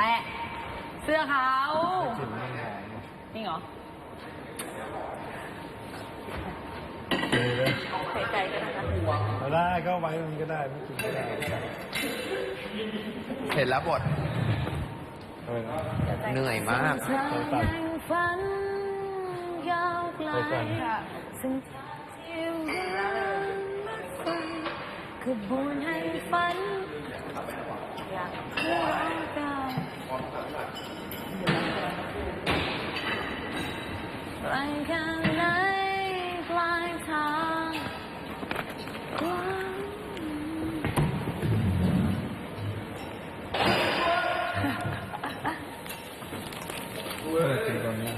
แปะเสื้อเขากลิ่นมันหอมจริงเหรอเลยใส่ใจกันนะคะเอาได้ก็ไว้มันก็ได้ไม่กินก็ได้เห็นแล้วบทเอาไปนะเหนื่อยมากตัดฝันยาวไกลไปก่อนซึ่งที่รักขบวนให้ฝันอยากเพื่อกันไกลแค่ไหนปลายทางกว้างกินตอนนี้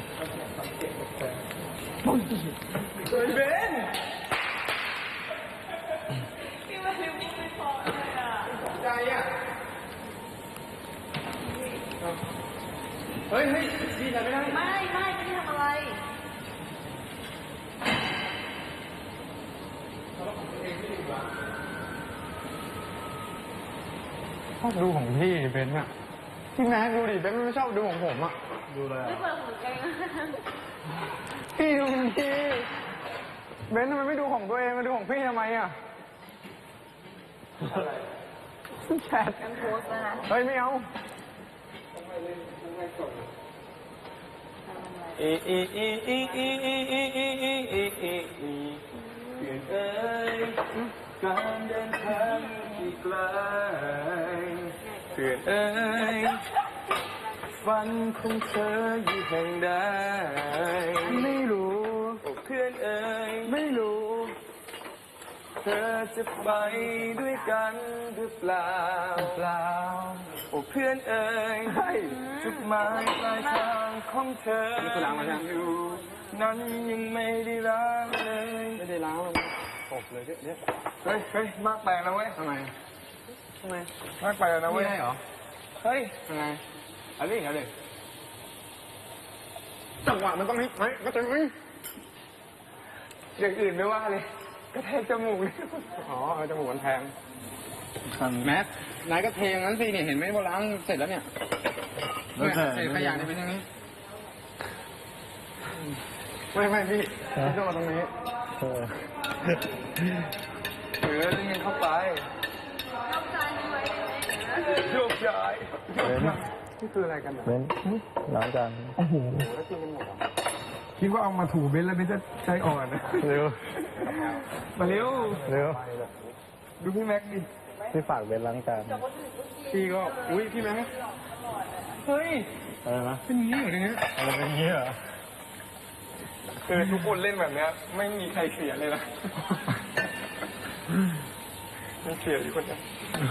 เฮ้ยดีใจไม่ได้ไม่ได้ทำอะไรชอบดูของพี่เบนซ์อะพี่แม็กดูดิเบนซ์ไม่ชอบดูของผมอะดูเลยไม่เปิดหูเองพี่ดูดิเบนซ์ทำไมไม่ดูของตัวเองมาดูของพี่ทำไมอะแชทกันโพสต์นะเฮ้ยไม่เอาอีอีอีอีอีอีอีอีอีอีอีอีเพื่อนเอ้ยการเดินทางที่ไกลเพื่อนเอ้ยฝันของเธออยู่แห่งใดไม่รู้เพื่อนเอ้ยไม่รู้เธอจะไปด้วยกันหรือเปล่าโอ้เพื่อนเอ๋ยจุดหมายปลายทางของเธออยู่นั้นยังไม่ได้ล้างเลยไม่ได้ล้างเลยตบเลยเนี่ยเฮ้ยมากไปแล้วเว้ยทำไมมากไปแล้วนะเว้ยเหรอเฮ้ยยังไงอะไรอย่างเงี้ยจังหวะมันต้องให้ก็จะอย่างอื่นไม่ว่าเลยกระแทกจมูกเลยอ๋อจมูกมันแทงแม็กนายก็เทอย่างนั้นสิเนี่ยเห็นไหมว่าล้างเสร็จแล้วเนี่ยใส่ขยะเนี่ยเป็นอย่างนี้ไม่พี่ต้องมาตรงนี้นี่เข้าไปโยกย้ายนี่คืออะไรกันเบนล้างจานโอ้โหแล้วกินกันหมดคิดว่าเอามาถูเบนแล้วเบนจะใจอ่อนเร็วมาเร็วดูพี่แม็กดิพี่ฝากเบนล้างจานพี่ก็อุ้ยพี่แม็กเฮ้ยอะไรนะเป็นงี้เหรอเนี่ยอะไรเป็นงี้เหรอคือทุกคนเล่นแบบเนี้ยไม่มีใครเสียเลยนะไม่เสียอยู่คนเดียว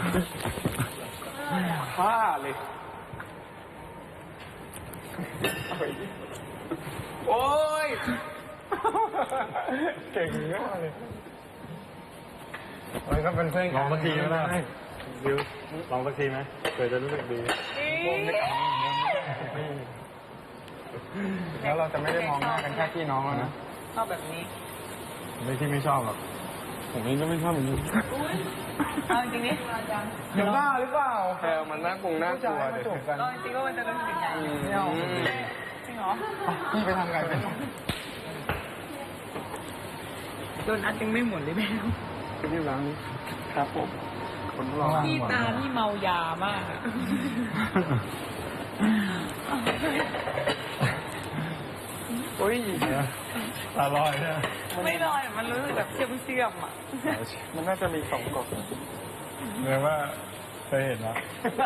ฆ่าเลยโอ้ยเก่งมากเลยมันก็เป็นเพื่อนลองสักทีก็ได้ดิวลองสักทีไหมเกิดจะรู้สึกดีแล้วเราจะไม่ได้มองหน้ากันแค่พี่น้องแล้วนะชอบแบบนี้ไม่ที่ไม่ชอบหรอกผมเองก็ไม่ชอบแบบนี้เอาจริงๆนี่เห็นบ้าหรือเปล่าแพลมันน่ากลัวเดี๋ยวกันเอาจริงๆก็มันจะเป็นสิ่งใหญ่ไม่เอาจริงเหรอพี่ไปทำไงเป็นโดนอัดยังไม่หมดเลยแม่ที่ร้านนี้ครับผมคนรอพี่ตาพี่เมายามากอะโอ้ยตาลอยเนี่ยไม่ลอยมันรู้สึกแบบเชื่อมๆอ่ะมันน่าจะมีสองกล่องเรียกว่าเคยเห็นนะ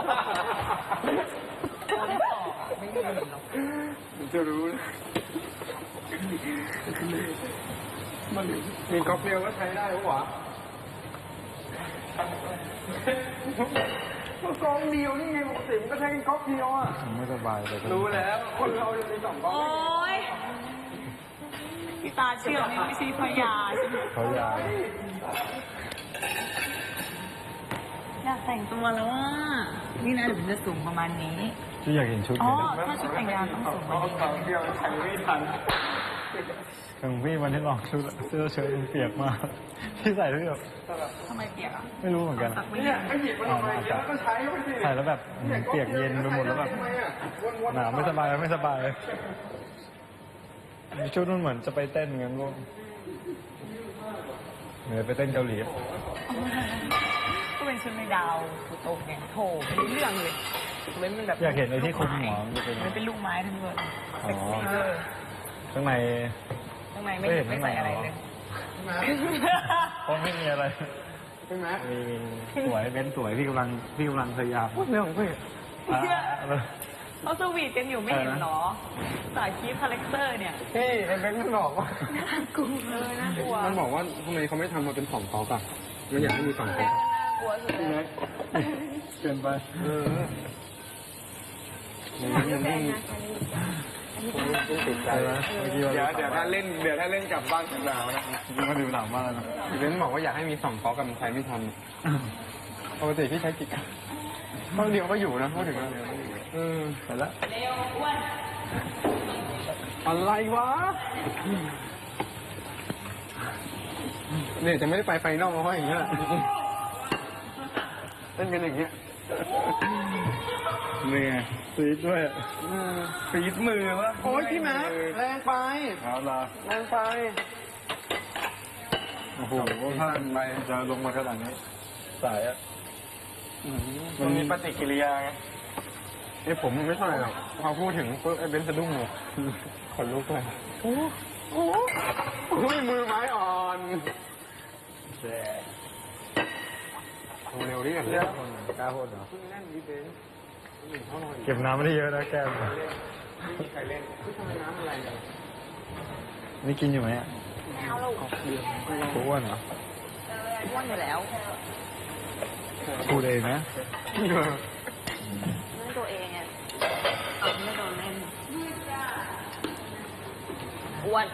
ไม่เคยเห็นหรอกมันจะรู้มันมีก๊อกเดียวก็ใช้ได้หรอวะกองเดียวนี่ไงปกติมันก็ใช้ก๊อกเดียวอ่ะไม่สบายเลยรู้แล้วคนเราจะมีสองก๊อกโอ๊ยพี่ตาเชื่อมนี่ไม่ใช่พยาใช่ไหมเขายายอยากแต่งตัวแล้วว่านี่นะเดี๋ยวมันจะสูงประมาณนี้ที่อยากเห็นชุดอ๋อนี้ถ้าชุดแต่งงานต้องสูงกว่านี้เดียวใช้ไม่ทันของพี่วันที่ลองชุดเสื้อเชิ้ตมันเปียกมากพี่ใส่แล้วแบบทำไมเปียกอ่ะไม่รู้เหมือนกันสักไม่เนี่ได้ยไอ้หยิบมันทำไมแล้วก็ใช้ไปสิใส่แล้วแบบเปียกเย็นไปหมดแล้วแบบทำไมอ่ะวนๆหนาวไม่สบายไม่สบายมีชุดนู้นเหมือนจะไปเต้นงั้นลูกเหมือนไปเต้นเกาหลีก็เป็นชุดในดาวถูกตกเนี่ยโถไม่รู้เรื่องเลยเว้นมันแบบอยากเห็นไอ้ที่คลุมหัวมันจะเป็นมันเป็นลูกไม้ทั้งหมดอ๋เซ็กอซี่เลยข้างในข้างในไม่ไม่เห็นไม่ใส่อะไรเลยเพราะไม่มีอะไรใช่ไหมมีสวยเป็นสวยพี่กำลังพยายามพูดเรื่องของพี่อ่าเขาสวีทกันอยู่ไม่เห็นเหรอสายคีฟคาแรคเตอร์เนี่ยพี่ไอ้เบนมันบอกว่าน่ากลัวเลยน่ากลัวมันบอกว่าทำไมเขาไม่ทำมาเป็น2 ก๊อกอ่ะมันอยากให้มี2 ก๊อกน่ากลัวสุดเลยเกินไปติดใจใช่ไหมเมื่อกี้ว่าเดี๋ยวถ้าเล่นกลับบ้านถึงหนาวนะเมื่อกี้มาดูหนาวมากเลยนะเบนบอกว่าอยากให้มี2 ก๊อกกับมันใช้ไม่ทันปกติพี่ใช้กี่ก๊อกเพราะเดียวก็อยู่นะพูดถึงแล้วไปแล้วเร็วอ้วนอะไรวะเนี่ยจะไม่ได้ไปไฟนอลเพราะอย่างเงี้ยเล่นกันอย่างเงี้ยเหนื่อยซีดด้วยฟีดมือวะโอ้ยพี่แม็กแรงไปเอาละแรงไปโอ้โหถ้าจะลงมาขนาดนี้สายอ่ะมันมีปฏิกิริยาไงไอ้ผมไม่เท่าไหร่หรอกพอพูดถึงปุ๊บไอ้เบนซ์สะดุ้งเลยขนลุกเลยโอ้ยมือไม้อ่อนเร็วดิกันเนี่ยกล้าพูดเหรอแน่นดิเบนซ์เก็บน้ำไม่ได้เยอะนะแก้มไม่มีใครเล่นทำไมน้ำอะไรเนี่ยนี่กินอยู่ไหมอ่ะแมวลูกอ้วนเหรออ้วนอยู่แล้วพูดเองนะนั่นตัวเองอ่ะไม่โดนเล่นอ้วน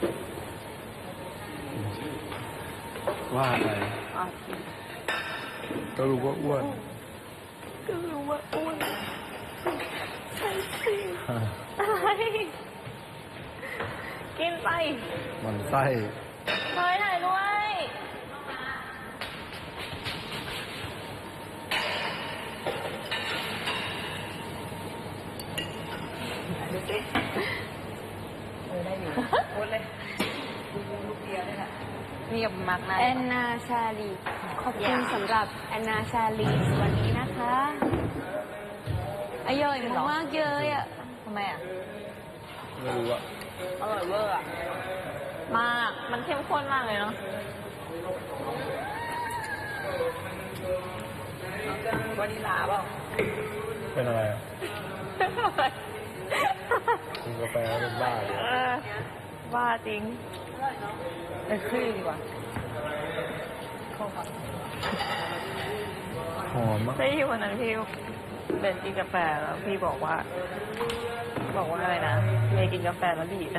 ว่าไปอ่ะก็รู้ว่าอ้วนก็รู้ว่าอ้วนใช่สิอะไรกินไปมันไส้เฮ้ยถ่ายด้วยดูสิได้อยู่โอนเลยลูกเดียวเลยค่ะมีกับมักนะแอนนาชาลีขอบคุณสำหรับแอนนาชาลีวันนี้นะคะอร่อยมากๆเลยอ่ะทำไมอ่ะไม่รู้อ่ะอร่อยเวอร์อ่ะ มาก มันเข้มข้นมากเลยเนาะวานิลาเปล่าเป็นอะไรอ่ะกินกาแฟเป็นบ้าเลยบ้าจริงไปคลี่ดีกว่าหอมมากใช่ที่วันนั้นพี่เป็นกินกาแฟแล้วพี่บอกว่าอะไรนะเมย์กินกาแฟแล้วดีดนะ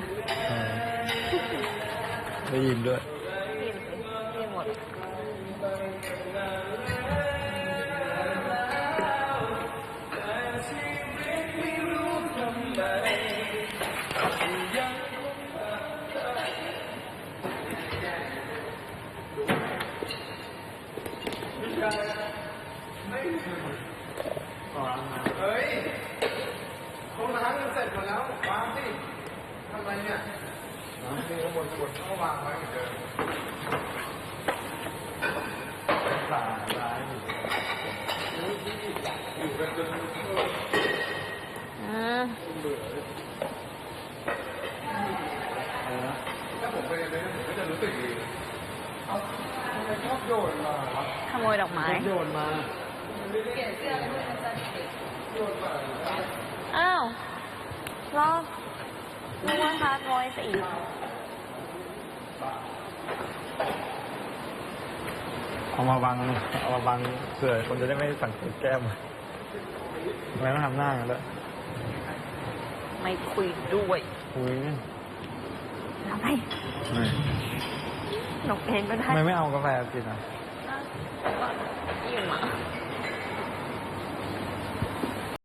ได้ยินด้วยกินสิกินหมดเฮ้ยเขาล้างกันเสร็จหมดแล้ววางสิทำไรเนี่ยน้ำที่ข้างบนเขาวางไว้เหมือนเดิมสาร้ายอยู่กันจน ถ้าผมไปเลยผมก็จะรู้สึกดีเอาทำไมชอบโยนมาวะขโมยดอกไม้โยนมาอ้าวรอนึกว่าฮาร์ดวอยซ์อีกเอามาบังเผื่อคนจะได้ไม่สังเกตแก้มทำไมต้องทำหน้ากันด้วยไม่คุยด้วยอุ้ยทำไมหนกเองก็ได้ทำไมไม่เอากาแฟกินอ่ะอิ่มอ่ะ